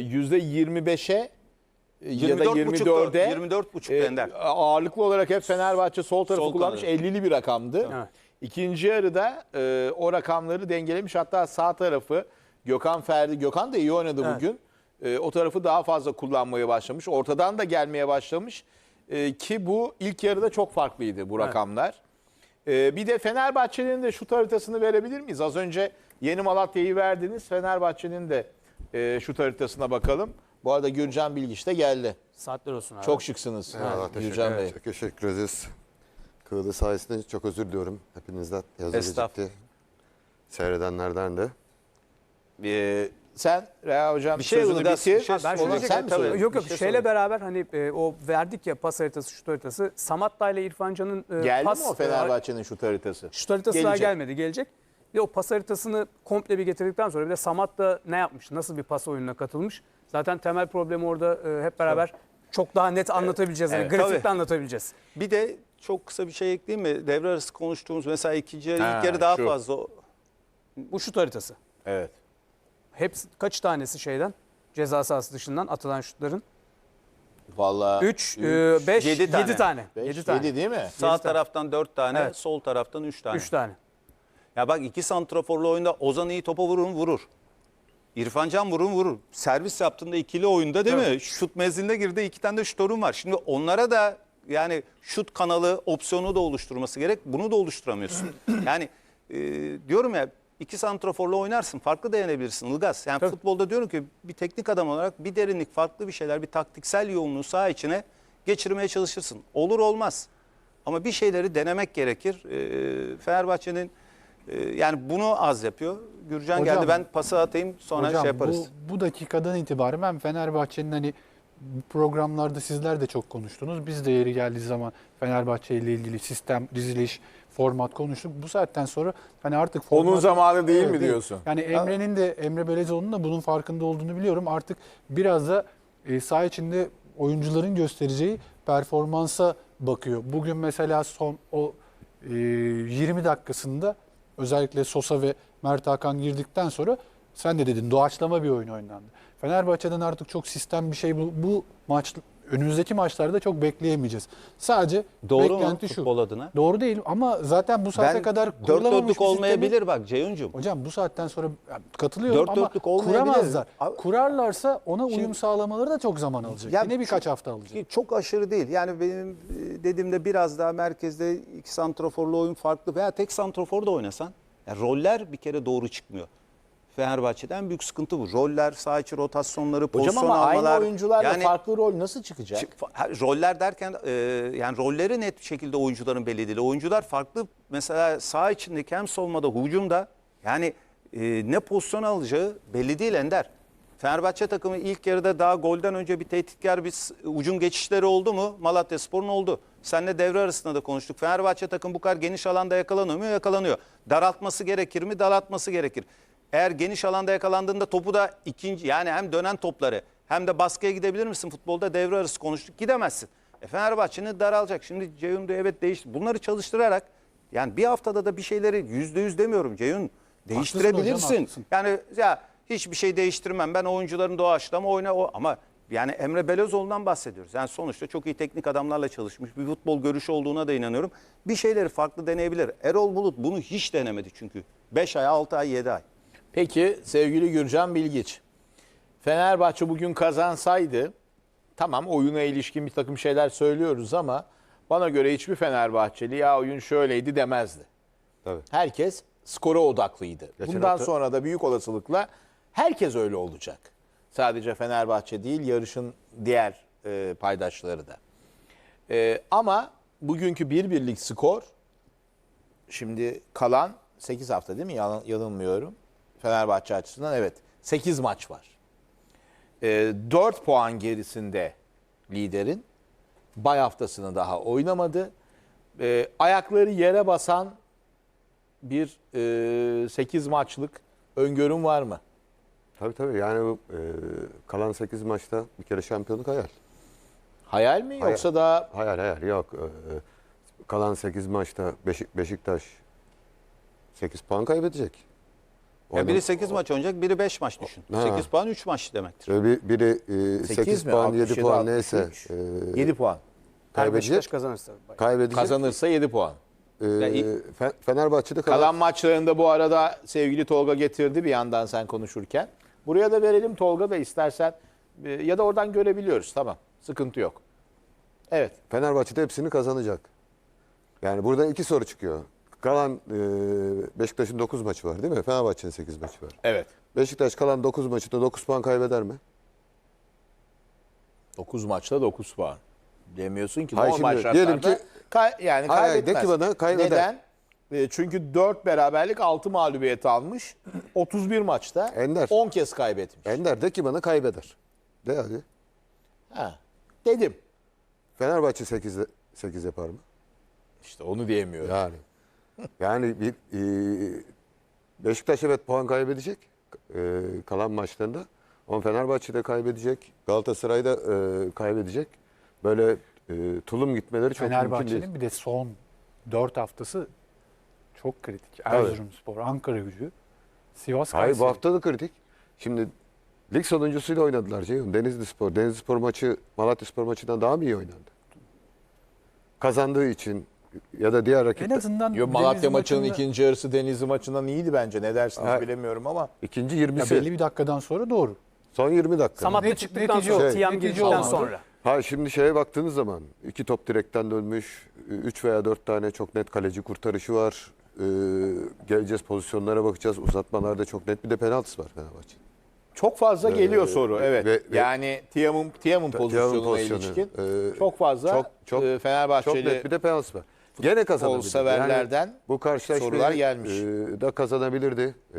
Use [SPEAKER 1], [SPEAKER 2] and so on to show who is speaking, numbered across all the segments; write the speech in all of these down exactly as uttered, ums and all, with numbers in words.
[SPEAKER 1] yüzde yirmi beşe ya da
[SPEAKER 2] yirmi dört
[SPEAKER 1] yirmi
[SPEAKER 2] buçuk,
[SPEAKER 1] dörde
[SPEAKER 2] yirmi dört buçuk
[SPEAKER 1] e,
[SPEAKER 2] Ender.
[SPEAKER 1] ağırlıklı olarak hep Fenerbahçe sol tarafı
[SPEAKER 2] Sol
[SPEAKER 1] kullanmış.
[SPEAKER 2] kanadı.
[SPEAKER 1] ellili bir rakamdı.
[SPEAKER 3] Evet.
[SPEAKER 1] İkinci yarıda e, o rakamları dengelemiş. Hatta sağ tarafı Gökhan Ferdi, Gökhan da iyi oynadı
[SPEAKER 3] Evet.
[SPEAKER 1] bugün. E, o tarafı daha fazla kullanmaya başlamış. Ortadan da gelmeye başlamış. E, ki bu ilk yarıda çok farklıydı bu rakamlar. E, bir de Fenerbahçe'nin de şut haritasını verebilir miyiz? Az önce Yeni Malatya'yı verdiniz. Fenerbahçe'nin de e, şut haritasına bakalım. Bu arada Gürcan Bilgiç de geldi.
[SPEAKER 3] Saatler olsun abi.
[SPEAKER 1] Çok şıksınız
[SPEAKER 4] Eyvallah, teşekkür,
[SPEAKER 1] Gürcan Bey.
[SPEAKER 4] çok teşekkür ederiz. Kığılı sayesinde çok özür diliyorum hepinizden. Yazı
[SPEAKER 2] Estağfurullah.
[SPEAKER 4] gecikti. Seyredenlerden de.
[SPEAKER 1] Ee, sen Reha Hocam
[SPEAKER 2] Bir şey
[SPEAKER 1] sözünü
[SPEAKER 2] Ilgaz,
[SPEAKER 1] bitir.
[SPEAKER 2] bir şey
[SPEAKER 3] Ha, ben
[SPEAKER 1] Onu
[SPEAKER 3] şunu
[SPEAKER 1] sen mi
[SPEAKER 2] tabii.
[SPEAKER 1] söyledin?
[SPEAKER 3] Yok yok
[SPEAKER 2] Bir şey
[SPEAKER 3] şeyle
[SPEAKER 2] sorayım.
[SPEAKER 3] beraber hani e, o verdik ya pas haritası, şut haritası. Samatta ile İrfan Can'ın e,
[SPEAKER 1] Geldi
[SPEAKER 3] pas
[SPEAKER 1] mi o Fenerbahçe'nin şut haritası?
[SPEAKER 3] şut haritası daha
[SPEAKER 1] Gelecek.
[SPEAKER 3] gelmedi, gelecek. Bir de o pas haritasını komple bir getirdikten sonra bir de Samatta ne yapmış? Nasıl bir pas oyununa katılmış? Zaten temel problemi orada e, hep beraber çok daha net anlatabileceğiz. Yani
[SPEAKER 1] Evet,
[SPEAKER 3] grafikle
[SPEAKER 2] tabii.
[SPEAKER 3] anlatabileceğiz.
[SPEAKER 2] Bir de çok kısa bir şey ekleyeyim mi? Devre arası konuştuğumuz mesela ikinci yarı,
[SPEAKER 1] Ha,
[SPEAKER 2] ilk yarı daha
[SPEAKER 1] şu.
[SPEAKER 2] fazla.
[SPEAKER 3] Bu şut haritası.
[SPEAKER 1] Evet.
[SPEAKER 3] Hepsi kaç tanesi şeyden? Ceza sahası dışından atılan şutların?
[SPEAKER 1] Vallahi
[SPEAKER 3] üç, beş,
[SPEAKER 2] yedi
[SPEAKER 3] yedi
[SPEAKER 2] tane.
[SPEAKER 3] tane.
[SPEAKER 1] beş,
[SPEAKER 3] yedi tane.
[SPEAKER 1] yedi değil mi?
[SPEAKER 2] Sağ
[SPEAKER 3] tane.
[SPEAKER 2] taraftan dört tane,
[SPEAKER 3] Evet.
[SPEAKER 2] sol taraftan üç tane.
[SPEAKER 3] üç tane.
[SPEAKER 2] Ya bak iki santraforlu oyunda Ozan iyi topa vurur mu? Vurur. İrfan Can vurur mu? Vurur. Servis yaptığında ikili oyunda değil mi? Şut mezilinde girdi, iki tane de şutörün var. Şimdi onlara da yani şut kanalı opsiyonu da oluşturması gerek. Bunu da oluşturamıyorsun. Yani e, diyorum ya iki santraforla oynarsın. Farklı da yenebilirsin Ilgaz. Yani
[SPEAKER 3] Tabii.
[SPEAKER 2] futbolda diyorum ki bir teknik adam olarak bir derinlik, farklı bir şeyler, bir taktiksel yoğunluğu saha içine geçirmeye çalışırsın. Olur olmaz. Ama bir şeyleri denemek gerekir. E, Fenerbahçe'nin e, yani bunu az yapıyor. Gürcan
[SPEAKER 5] Hocam,
[SPEAKER 2] geldi, ben pası atayım sonra
[SPEAKER 5] Hocam,
[SPEAKER 2] şey yaparız.
[SPEAKER 5] Bu, bu dakikadan itibaren ben Fenerbahçe'nin hani bu programlarda sizler de çok konuştunuz. Biz de yeri geldiği zaman Fenerbahçe ile ilgili sistem, diziliş, format konuştuk. Bu saatten sonra hani artık format...
[SPEAKER 1] Onun zamanı değil mi
[SPEAKER 5] Evet,
[SPEAKER 1] diyorsun?
[SPEAKER 5] Yani Emre'nin de Emre Belezoğlu'nun da bunun farkında olduğunu biliyorum. Artık biraz da e, saha içinde oyuncuların göstereceği performansa bakıyor. Bugün mesela son o e, yirmi dakikasında özellikle Sosa ve Mert Hakan girdikten sonra sen de dedin doğaçlama bir oyun oynandı. Fenerbahçe'den artık çok sistem bir şey bu, bu maç önümüzdeki maçlarda çok bekleyemeyeceğiz. Sadece
[SPEAKER 2] Doğru mu
[SPEAKER 5] beklenti şu.
[SPEAKER 2] futbol adına?
[SPEAKER 5] Doğru değil ama zaten bu saate
[SPEAKER 2] Ben
[SPEAKER 5] kadar
[SPEAKER 2] dört
[SPEAKER 5] kurulamamış
[SPEAKER 2] dörtlük
[SPEAKER 5] bir
[SPEAKER 2] olmayabilir
[SPEAKER 5] sistemi-
[SPEAKER 2] bak Ceyhuncuğum.
[SPEAKER 5] Hocam bu saatten sonra katılıyorum
[SPEAKER 2] Dört
[SPEAKER 5] ama
[SPEAKER 2] dörtlük olmayabilir.
[SPEAKER 5] kuramazlar.
[SPEAKER 2] Abi-
[SPEAKER 5] Kurarlarsa ona uyum
[SPEAKER 2] Şimdi-
[SPEAKER 5] sağlamaları da çok zaman alacak.
[SPEAKER 2] Ya
[SPEAKER 5] Yine birkaç
[SPEAKER 2] çok-
[SPEAKER 5] hafta alacak.
[SPEAKER 2] Çok aşırı değil. Yani benim e, dediğimde biraz daha merkezde iki santraforlu oyun farklı veya tek santrafor da oynasan yani roller bir kere doğru çıkmıyor. Fenerbahçe'den en büyük sıkıntı bu. Roller, saha içi rotasyonları,
[SPEAKER 1] Hocam
[SPEAKER 2] pozisyon
[SPEAKER 1] ama aynı
[SPEAKER 2] almalar.
[SPEAKER 1] oyuncularla
[SPEAKER 2] yani
[SPEAKER 1] farklı rol nasıl çıkacak?
[SPEAKER 2] Şi- fa- ha, roller derken e, yani rolleri net bir şekilde oyuncuların belli değil. Oyuncular farklı mesela saha içindeki hem savunmada hücumda yani e, ne pozisyon alacağı belli değil Ender. Fenerbahçe takımı ilk yarıda daha golden önce bir tehditkar bir s- ucum geçişleri oldu mu? Malatyaspor'un oldu. Seninle devre arasında da konuştuk. Fenerbahçe takım bu kadar geniş alanda yakalanıyor mu? Yakalanıyor. Daraltması gerekir mi? Daraltması gerekir. Eğer geniş alanda yakalandığında topu da ikinci yani hem dönen topları hem de baskıya gidebilir misin? Futbolda devre arası konuştuk. Gidemezsin. E Fenerbahçe'nin daralacak. Şimdi Ceyhun da evet değişti. Bunları çalıştırarak yani bir haftada da bir şeyleri yüzde yüz demiyorum Ceyhun. Değiştirebilirsin.
[SPEAKER 5] hocam, haklısın.
[SPEAKER 2] Yani ya hiçbir şey değiştirmem. Ben oyuncuların doğaçlama oyna o ama yani Emre Belözoğlu'ndan bahsediyoruz. Yani sonuçta çok iyi teknik adamlarla çalışmış bir futbol görüşü olduğuna da inanıyorum. Bir şeyleri farklı deneyebilir. Erol Bulut bunu hiç denemedi çünkü. beş ay, altı ay, yedi ay.
[SPEAKER 1] Peki sevgili Gürcan Bilgiç. Fenerbahçe bugün kazansaydı tamam oyuna ilişkin bir takım şeyler söylüyoruz ama bana göre hiçbir Fenerbahçeli ya oyun şöyleydi demezdi.
[SPEAKER 4] Tabii.
[SPEAKER 1] Herkes skora odaklıydı.
[SPEAKER 4] Geçen
[SPEAKER 1] Bundan
[SPEAKER 4] hafta-
[SPEAKER 1] sonra da büyük olasılıkla herkes öyle olacak. Sadece Fenerbahçe değil yarışın diğer e, paydaşları da. E, ama bugünkü bir birlik skor şimdi kalan sekiz hafta değil mi? Yan- Yanılmıyorum. Fenerbahçe açısından evet sekiz maç var. E, dört puan gerisinde liderin. Bay haftasını daha oynamadı. E, ayakları yere basan bir e, sekiz maçlık öngörüm var mı?
[SPEAKER 4] Tabii tabii yani bu, e, kalan sekiz maçta bir kere şampiyonluk hayal.
[SPEAKER 1] Hayal mi
[SPEAKER 4] Hayal.
[SPEAKER 1] yoksa da
[SPEAKER 4] Hayal hayal yok. E, kalan sekiz maçta Beşik, Beşiktaş sekiz puan kaybedecek.
[SPEAKER 2] Ya biri sekiz maç oynayacak, biri beş maç düşün.
[SPEAKER 4] Ha.
[SPEAKER 2] sekiz puan üç maç demektir.
[SPEAKER 4] Ve bir, biri e, sekiz
[SPEAKER 1] mi?
[SPEAKER 4] puan,
[SPEAKER 1] altmış
[SPEAKER 4] yedi
[SPEAKER 1] yedi,
[SPEAKER 4] puan
[SPEAKER 1] altmış
[SPEAKER 4] neyse
[SPEAKER 1] üç.
[SPEAKER 4] e,
[SPEAKER 1] yedi puan.
[SPEAKER 3] Her Beşiktaş
[SPEAKER 4] kaybedecek.
[SPEAKER 3] kazanırsa.
[SPEAKER 4] Kaybedecek.
[SPEAKER 1] Kazanırsa yedi puan.
[SPEAKER 4] E,
[SPEAKER 2] Ya iyi.
[SPEAKER 4] Fe- Fenerbahçe'de kalan,
[SPEAKER 1] Kalan maçlarında bu arada sevgili Tolga getirdi bir yandan sen konuşurken. Buraya da verelim Tolga da istersen e, ya da oradan görebiliyoruz. Tamam. Sıkıntı yok. Evet.
[SPEAKER 4] Fenerbahçe'de hepsini kazanacak. Yani buradan iki soru çıkıyor. Kalan e, Beşiktaş'ın dokuz maçı var değil mi? Fenerbahçe'nin sekiz maçı var.
[SPEAKER 1] Evet.
[SPEAKER 4] Beşiktaş kalan dokuz maçında dokuz puan kaybeder mi?
[SPEAKER 1] dokuz maçta dokuz puan. Demiyorsun ki
[SPEAKER 4] Hayır,
[SPEAKER 1] normal
[SPEAKER 4] şimdi
[SPEAKER 1] şartlarda
[SPEAKER 4] diyelim ki-
[SPEAKER 1] kay- yani
[SPEAKER 4] Hayır, hayır,
[SPEAKER 1] kaybetmez.
[SPEAKER 4] de ki bana kaybeder.
[SPEAKER 1] Neden? E, çünkü dört beraberlik altı mağlubiyet almış. otuz bir maçta
[SPEAKER 4] Ender.
[SPEAKER 1] on kez kaybetmiş.
[SPEAKER 4] Ender de ki bana kaybeder. De hadi.
[SPEAKER 1] Ha. Dedim.
[SPEAKER 4] Fenerbahçe sekiz, sekiz yapar mı?
[SPEAKER 1] İşte onu diyemiyorum.
[SPEAKER 4] Yani. Yani bir e, Beşiktaş evet puan kaybedecek e, kalan maçlarında. Ama Fenerbahçe de kaybedecek. Galatasaray da e, kaybedecek. Böyle e, tulum gitmeleri çok mümkün değil.
[SPEAKER 5] Fenerbahçe'nin bir de son dört haftası çok kritik. Erzurumspor, Ankara Gücü, Sivas
[SPEAKER 4] Hayır bu
[SPEAKER 5] Kayseri.
[SPEAKER 4] hafta da kritik. Şimdi lig sonuncusuyla oynadılar Ceyhun. Denizli Spor. Denizli Spor maçı Malatya Spor maçından daha mı iyi oynandı? Kazandığı için ya da diğer
[SPEAKER 5] En
[SPEAKER 4] rakipler.
[SPEAKER 5] azından
[SPEAKER 1] Yo, Malatya
[SPEAKER 5] Denizli
[SPEAKER 1] maçının
[SPEAKER 5] maçında-
[SPEAKER 1] ikinci yarısı Denizli maçından iyiydi bence. Ne dersiniz
[SPEAKER 4] Ha.
[SPEAKER 1] bilemiyorum ama.
[SPEAKER 4] İkinci
[SPEAKER 5] ya
[SPEAKER 4] yirmisi.
[SPEAKER 5] belli bir dakikadan sonra doğru.
[SPEAKER 4] Son yirmi dakika.
[SPEAKER 3] Samat'ta
[SPEAKER 5] Net-
[SPEAKER 3] çıktıktan
[SPEAKER 5] netice-
[SPEAKER 3] sonra,
[SPEAKER 4] şey,
[SPEAKER 3] Tiam
[SPEAKER 5] netice
[SPEAKER 3] girdikten
[SPEAKER 5] olmadı.
[SPEAKER 3] sonra.
[SPEAKER 4] Ha şimdi şeye baktığınız zaman iki top direkten dönmüş, üç veya dört tane çok net kaleci kurtarışı var. Ee, geleceğiz pozisyonlara bakacağız. Uzatmalarda çok net bir de penaltısı var Fenerbahçe.
[SPEAKER 1] Çok fazla geliyor soru. Evet.
[SPEAKER 4] ve- ve-
[SPEAKER 1] yani Tiam'ın Tiam'ın pozisyonuna
[SPEAKER 4] pozisyonu,
[SPEAKER 1] ilişkin
[SPEAKER 4] e,
[SPEAKER 1] çok fazla
[SPEAKER 4] çok- çok-
[SPEAKER 1] e,
[SPEAKER 4] Çok
[SPEAKER 1] Fenerbahçeli
[SPEAKER 4] net bir de penaltısı var. Gene kazanabilirdi.
[SPEAKER 1] severlerden
[SPEAKER 4] Yani bu karşılaşmayı
[SPEAKER 1] sorular gelmiş.
[SPEAKER 4] e, da kazanabilirdi. E,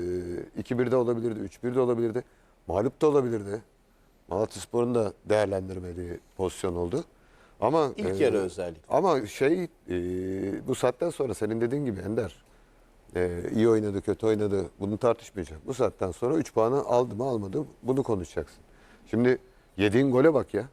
[SPEAKER 4] iki bir de olabilirdi, üç bir de olabilirdi. Mağlup da olabilirdi. Malatyaspor'un da değerlendirmediği pozisyon oldu. Ama
[SPEAKER 1] ilk
[SPEAKER 4] e,
[SPEAKER 1] yarı özellikle.
[SPEAKER 4] Ama şey e, bu saatten sonra senin dediğin gibi Ender e, iyi oynadı, kötü oynadı. Bunu tartışmayacak. Bu saatten sonra üç puanı aldı mı almadı mı bunu konuşacaksın. Şimdi yediğin gole bak ya.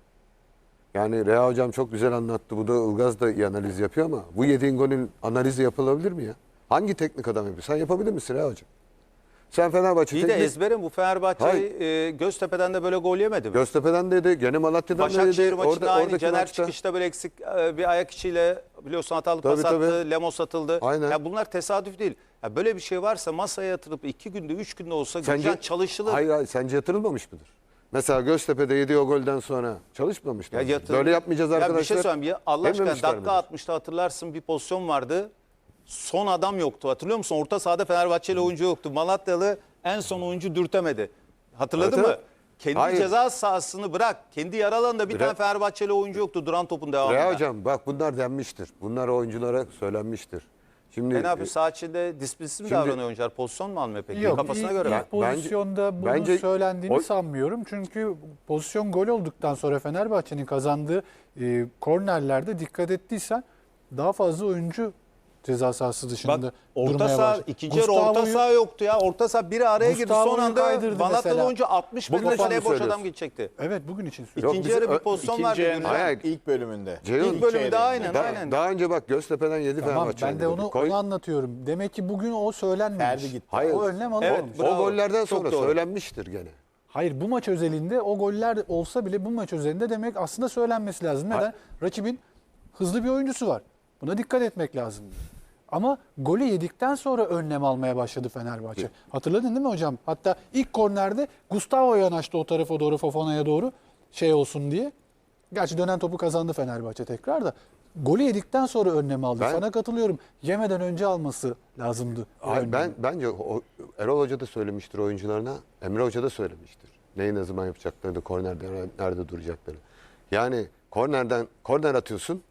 [SPEAKER 4] Yani Reha Hocam çok güzel anlattı. Bu da Ilgaz da iyi analiz yapıyor ama bu yediğin golün analizi yapılabilir mi ya? Hangi teknik adam yapıyor? Sen yapabilir misin Reha Hocam? Sen Fenerbahçe
[SPEAKER 2] İyi de
[SPEAKER 4] teknik...
[SPEAKER 2] ezberim bu Fenerbahçe e, Göztepe'den de böyle gol yemedi mi?
[SPEAKER 4] Göztepe'den dedi, gene Malatya'dan da
[SPEAKER 2] Başakşehir
[SPEAKER 4] dedi.
[SPEAKER 2] maçı da aynı.
[SPEAKER 4] oradaki
[SPEAKER 2] Caner
[SPEAKER 4] maçta-
[SPEAKER 2] çıkışta böyle eksik e, bir ayak içiyle biliyorsun hatalı
[SPEAKER 4] Tabii,
[SPEAKER 2] pas attı.
[SPEAKER 4] tabii.
[SPEAKER 2] Lemos atıldı.
[SPEAKER 4] Aynen.
[SPEAKER 2] Ya bunlar tesadüf değil. Ya böyle bir şey varsa masaya yatırıp iki günde üç günde olsa
[SPEAKER 4] Sence,
[SPEAKER 2] Gürcan çalışılır.
[SPEAKER 4] Hayır hayır sence yatırılmamış mıdır? Mesela Göztepe'de yediği o golden sonra çalışmamış mı?
[SPEAKER 2] Ya yatırım-
[SPEAKER 4] Böyle yapmayacağız
[SPEAKER 2] Ya
[SPEAKER 4] arkadaşlar.
[SPEAKER 2] bir şey söyleyeyim. Ya Allah aşkına
[SPEAKER 4] dememişler
[SPEAKER 2] dakika
[SPEAKER 4] midir?
[SPEAKER 2] altmışta hatırlarsın bir pozisyon vardı. Son adam yoktu. Hatırlıyor musun? Orta sahada Fenerbahçeli oyuncu yoktu. Malatyalı en son oyuncu dürtemedi. Hatırladın
[SPEAKER 4] Evet,
[SPEAKER 2] mı?
[SPEAKER 4] evet.
[SPEAKER 2] Kendi
[SPEAKER 4] Hayır.
[SPEAKER 2] ceza sahasını bırak. Kendi yarı alanında bir
[SPEAKER 4] Re-
[SPEAKER 2] tane Fenerbahçeli oyuncu yoktu duran topun devamında.
[SPEAKER 4] Reha Hocam bak bunlar denmiştir. Bunlar oyunculara söylenmiştir. Şimdi
[SPEAKER 2] E ne yapıyor? Saha içinde disiplinsiz mi
[SPEAKER 4] Şimdi-
[SPEAKER 2] davranıyor oyuncular? Pozisyon mu almıyor peki?
[SPEAKER 5] Yok,
[SPEAKER 2] Kafasına
[SPEAKER 5] ilk,
[SPEAKER 2] göre mi?
[SPEAKER 5] ilk pozisyonda bunun
[SPEAKER 4] bence-
[SPEAKER 5] söylendiğini
[SPEAKER 4] o-
[SPEAKER 5] sanmıyorum. Çünkü pozisyon gol olduktan sonra Fenerbahçe'nin kazandığı e, kornerlerde dikkat ettiysen daha fazla oyuncu ceza sahası dışında
[SPEAKER 2] Bak orta
[SPEAKER 5] durmaya
[SPEAKER 2] saha,
[SPEAKER 5] başladı.
[SPEAKER 2] ikinci yarı orta
[SPEAKER 5] Gustavo'yu-
[SPEAKER 2] saha yoktu ya. Orta saha biri araya girdi. Son
[SPEAKER 5] Gustavo'yu
[SPEAKER 2] anda
[SPEAKER 5] kaydırdı
[SPEAKER 2] Malatyalı
[SPEAKER 5] mesela.
[SPEAKER 2] oyuncu altmış
[SPEAKER 4] Bugün
[SPEAKER 2] metre
[SPEAKER 4] sen
[SPEAKER 2] kaleye
[SPEAKER 4] mi
[SPEAKER 2] boş adam
[SPEAKER 4] söylüyorsun?
[SPEAKER 2] gidecekti.
[SPEAKER 5] Evet bugün için söylüyorum.
[SPEAKER 2] İkinci
[SPEAKER 4] bizim
[SPEAKER 2] yarı bir
[SPEAKER 4] ö-
[SPEAKER 2] pozisyon
[SPEAKER 1] İkinci
[SPEAKER 2] vardı.
[SPEAKER 1] yarının
[SPEAKER 2] Gürcan.
[SPEAKER 4] Hayır.
[SPEAKER 1] ilk bölümünde.
[SPEAKER 4] Ceyhun,
[SPEAKER 2] İlk bölümde
[SPEAKER 1] yarı-
[SPEAKER 2] aynen
[SPEAKER 4] daha,
[SPEAKER 2] aynen.
[SPEAKER 4] daha önce bak Göztepe'den yedi
[SPEAKER 5] Tamam
[SPEAKER 4] Fenerbahçe.
[SPEAKER 5] ben de
[SPEAKER 4] oynadı.
[SPEAKER 5] onu,
[SPEAKER 4] Koy-
[SPEAKER 5] onu anlatıyorum. Demek ki bugün o söylenmemiş.
[SPEAKER 1] Ferdi gitti.
[SPEAKER 4] Hayır.
[SPEAKER 5] O önlem
[SPEAKER 2] Evet,
[SPEAKER 5] alınmamış.
[SPEAKER 4] O
[SPEAKER 2] bravo.
[SPEAKER 4] gollerden
[SPEAKER 2] Çok
[SPEAKER 4] sonra
[SPEAKER 2] doğru.
[SPEAKER 4] söylenmiştir gene.
[SPEAKER 5] Hayır bu maç özelinde o goller olsa bile bu maç özelinde demek aslında söylenmesi lazım. Neden? Rakibin hızlı bir oyuncusu var. Buna dikkat etmek lazım. Ama golü yedikten sonra önlem almaya başladı Fenerbahçe. Hatırladın değil mi hocam? Hatta ilk kornerde Gustavo yanaştı o tarafa doğru, Fofana'ya doğru şey olsun diye. Gerçi dönen topu kazandı Fenerbahçe tekrar da. Golü yedikten sonra önlem aldı.
[SPEAKER 4] Ben-
[SPEAKER 5] Sana katılıyorum. Yemeden önce alması lazımdı. o
[SPEAKER 4] Hayır,
[SPEAKER 5] önlemi.
[SPEAKER 4] ben bence o, Erol Hoca da söylemiştir oyuncularına. Emre Hoca da söylemiştir. Neyi ne zaman yapacaklarını, kornerde nerede duracaklarını. Yani kornerden korner atıyorsun.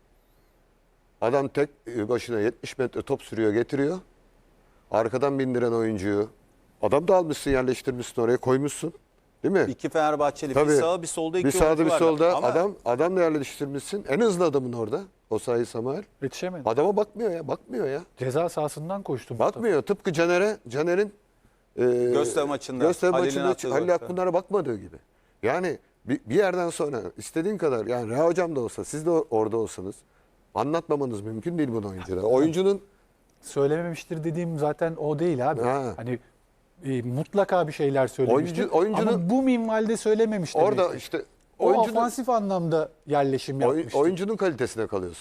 [SPEAKER 4] Adam tek başına yetmiş metre top sürüyor, getiriyor. Arkadan bindiren oyuncuyu adam da almışsın, yerleştirmişsin oraya, koymuşsun. Değil mi?
[SPEAKER 2] İki Fenerbahçeli.
[SPEAKER 4] Tabii.
[SPEAKER 2] Bir sağ bir solda iki
[SPEAKER 4] bir sağda
[SPEAKER 2] oyuncu
[SPEAKER 4] bir
[SPEAKER 2] vardı.
[SPEAKER 4] solda
[SPEAKER 2] Ama
[SPEAKER 4] adam adam da yerleştirmişsin. En hızlı adamın orada. O sayı Samuel.
[SPEAKER 5] Yetişemedi.
[SPEAKER 4] Adama bakmıyor ya, bakmıyor ya.
[SPEAKER 5] Ceza sahasından koştu. Mustafa.
[SPEAKER 4] Bakmıyor. Tıpkı Caner'e, Caner'in e,
[SPEAKER 2] Göztepe maçında,
[SPEAKER 4] Göztepe
[SPEAKER 2] Halil'in
[SPEAKER 4] maçında
[SPEAKER 2] attığı
[SPEAKER 4] Halil
[SPEAKER 2] gol.
[SPEAKER 4] Akpınar'a bakmadığı gibi. Yani bir, bir yerden sonra istediğin kadar yani Reha Hocam da olsa siz de orada olsanız anlatmamanız mümkün değil bunu oyunculara. Oyuncunun
[SPEAKER 5] Söylememiştir dediğim zaten o değil abi.
[SPEAKER 4] Ha.
[SPEAKER 5] Hani e, mutlaka bir şeyler söylemiştir.
[SPEAKER 4] Oyuncu- oyuncunun-
[SPEAKER 5] Ama bu minvalde söylememiş
[SPEAKER 4] Orada
[SPEAKER 5] demektir.
[SPEAKER 4] işte
[SPEAKER 5] O
[SPEAKER 4] oyuncunun,
[SPEAKER 5] ofansif anlamda yerleşim
[SPEAKER 4] oy-
[SPEAKER 5] yapmıştır.
[SPEAKER 4] oyuncunun kalitesine kalıyor.